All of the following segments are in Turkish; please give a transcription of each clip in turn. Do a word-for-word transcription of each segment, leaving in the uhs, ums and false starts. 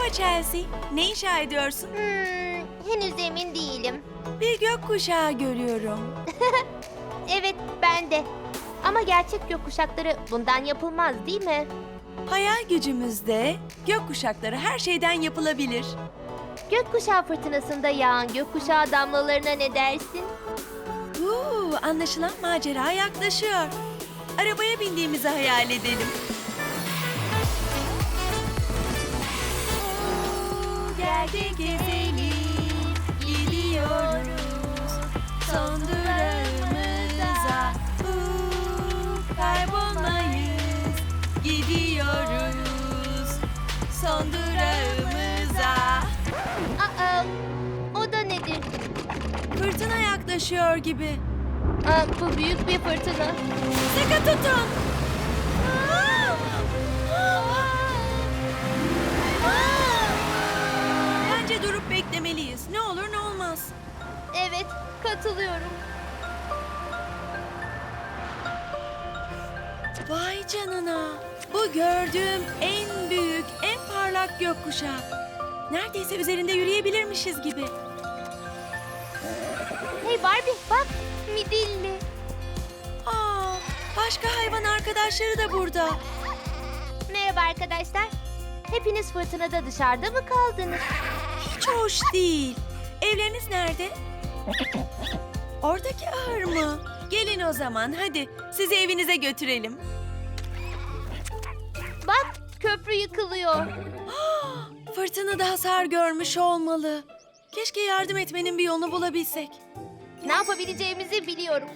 Chelsea. Ne inşa ediyorsun? Hmm, henüz emin değilim. Bir gökkuşağı görüyorum. Evet, ben de. Ama gerçek gökkuşakları bundan yapılmaz değil mi? Hayal gücümüzde gökkuşakları her şeyden yapılabilir. Gökkuşağı fırtınasında yağan gökkuşağı damlalarına ne dersin? Uuu, anlaşılan macera yaklaşıyor. Arabaya bindiğimizi hayal edelim. Gel de gezelim, gidiyoruz son durağımıza. Uuu, kaybolmayız, gidiyoruz son durağımıza. Aa, o da nedir? Fırtına yaklaşıyor gibi. Aa, bu büyük bir fırtına. Sıkı tutun. Bence durup beklemeliyiz. Ne olur ne olmaz. Evet, katılıyorum. Vay canına. Bu gördüğüm en büyük, en parlak gökkuşağı. Neredeyse üzerinde yürüyebilirmişiz gibi. Hey Barbie, bak, midilli. Aa, başka hayvan arkadaşları da burada. Merhaba arkadaşlar. Hepiniz fırtınada dışarıda mı kaldınız? Hiç hoş değil. Evleriniz nerede? Oradaki ahır mı? Gelin o zaman hadi sizi evinize götürelim. Bak, köprü yıkılıyor. Fırtınada hasar görmüş olmalı. Keşke yardım etmenin bir yolunu bulabilsek. Ne yapabileceğimizi biliyorum.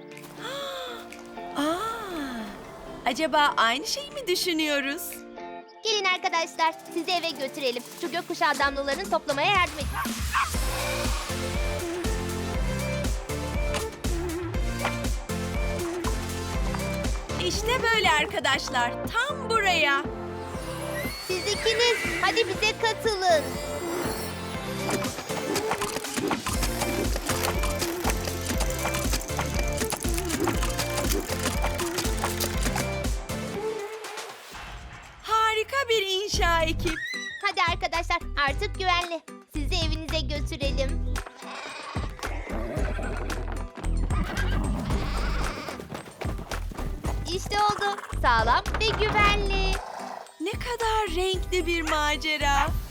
Aa, acaba aynı şeyi mi düşünüyoruz? Gelin arkadaşlar, sizi eve götürelim. Şu gökkuşağı damlalarını toplamaya yardım edin. İşte böyle arkadaşlar, tam buraya. Siz ikiniz, hadi bize katılın. Harika bir inşa ekip. Hadi arkadaşlar, artık güvenli. Sizi evinize götürelim. İşte oldu. Sağlam ve güvenli. Ne kadar renkli bir macera.